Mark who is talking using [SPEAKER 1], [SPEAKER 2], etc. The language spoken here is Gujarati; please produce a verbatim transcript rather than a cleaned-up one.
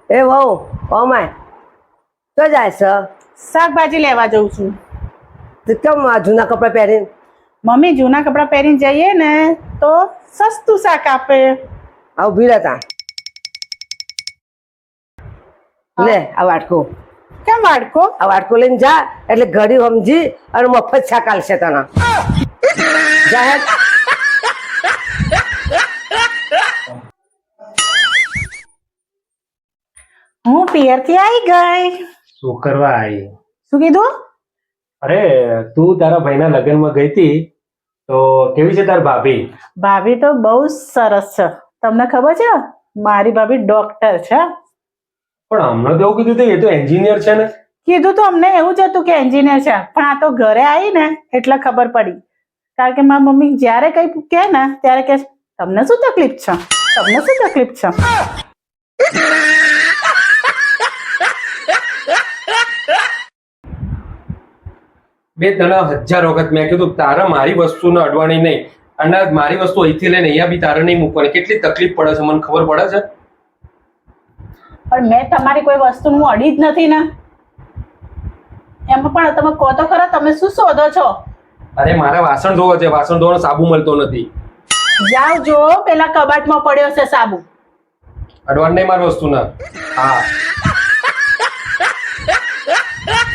[SPEAKER 1] એ વહુ ઓમાય તો જાય છે
[SPEAKER 2] શાકભાજી લેવા જઉં છું.
[SPEAKER 1] તો કેમ આ જૂના કપડાં પહેરીને
[SPEAKER 2] મમ્મી જૂના કપડાં પહેરીને જઈએ ને તો સસ્તું શાક આપે.
[SPEAKER 1] આવું ભીડ હતા લે આ વાટકો
[SPEAKER 2] કેમ વાડકો?
[SPEAKER 1] આ વાટકો લઈને જા એટલે ઘડી સમજી અને મફત શાક આલશે તને જાહેર
[SPEAKER 2] હું પિયરથી આવી ગઈ.
[SPEAKER 3] શું કરવા આવી?
[SPEAKER 2] શું કીધું?
[SPEAKER 3] અરે તું તારા ભાઈના લગ્નમાં ગઈ હતી તો કેવી છે તાર ભાભી?
[SPEAKER 2] ભાભી તો બહુ જ સરસ છે. તમને ખબર છે મારી ભાભી ડોક્ટર છે.
[SPEAKER 3] પણ હમણાં તો એવું કીધું હતું એ તો એન્જિનિયર છે ને.
[SPEAKER 2] કીધું તો અમને એવું જ હતું કે એન્જિનિયર છે, પણ આ તો ઘરે આવી ને એટલે ખબર પડી. કારણ કે મારી મમ્મી જ્યારે કંઈ કહે ને ત્યારે કે તમને શું તકલીફ છે, તમને શું તકલીફ છે.
[SPEAKER 3] બે તને હજાર વખત મેં કીધું તારે મારી વસ્તુને અડવાની નહીં, અને મારી વસ્તુ અહીંથી લઈને અહીંયા બી તારે નહીં મૂકવાની. કેટલી તકલીફ પડે છે મને ખબર પડે છે.
[SPEAKER 2] પણ મેં તમારી કોઈ વસ્તુ હું અડી જ નથી ને. એમાં પણ તમે કહો તો ખરા તમે શું શોધો છો?
[SPEAKER 3] અરે મારે વાસણ ધોવા છે, વાસણ ધોવાનો સાબુ મળતો નથી.
[SPEAKER 2] જાઓ જો પેલા કબાટમાં પડ્યો છે સાબુ.
[SPEAKER 3] અડવાનું નહીં મારી વસ્તુને. હા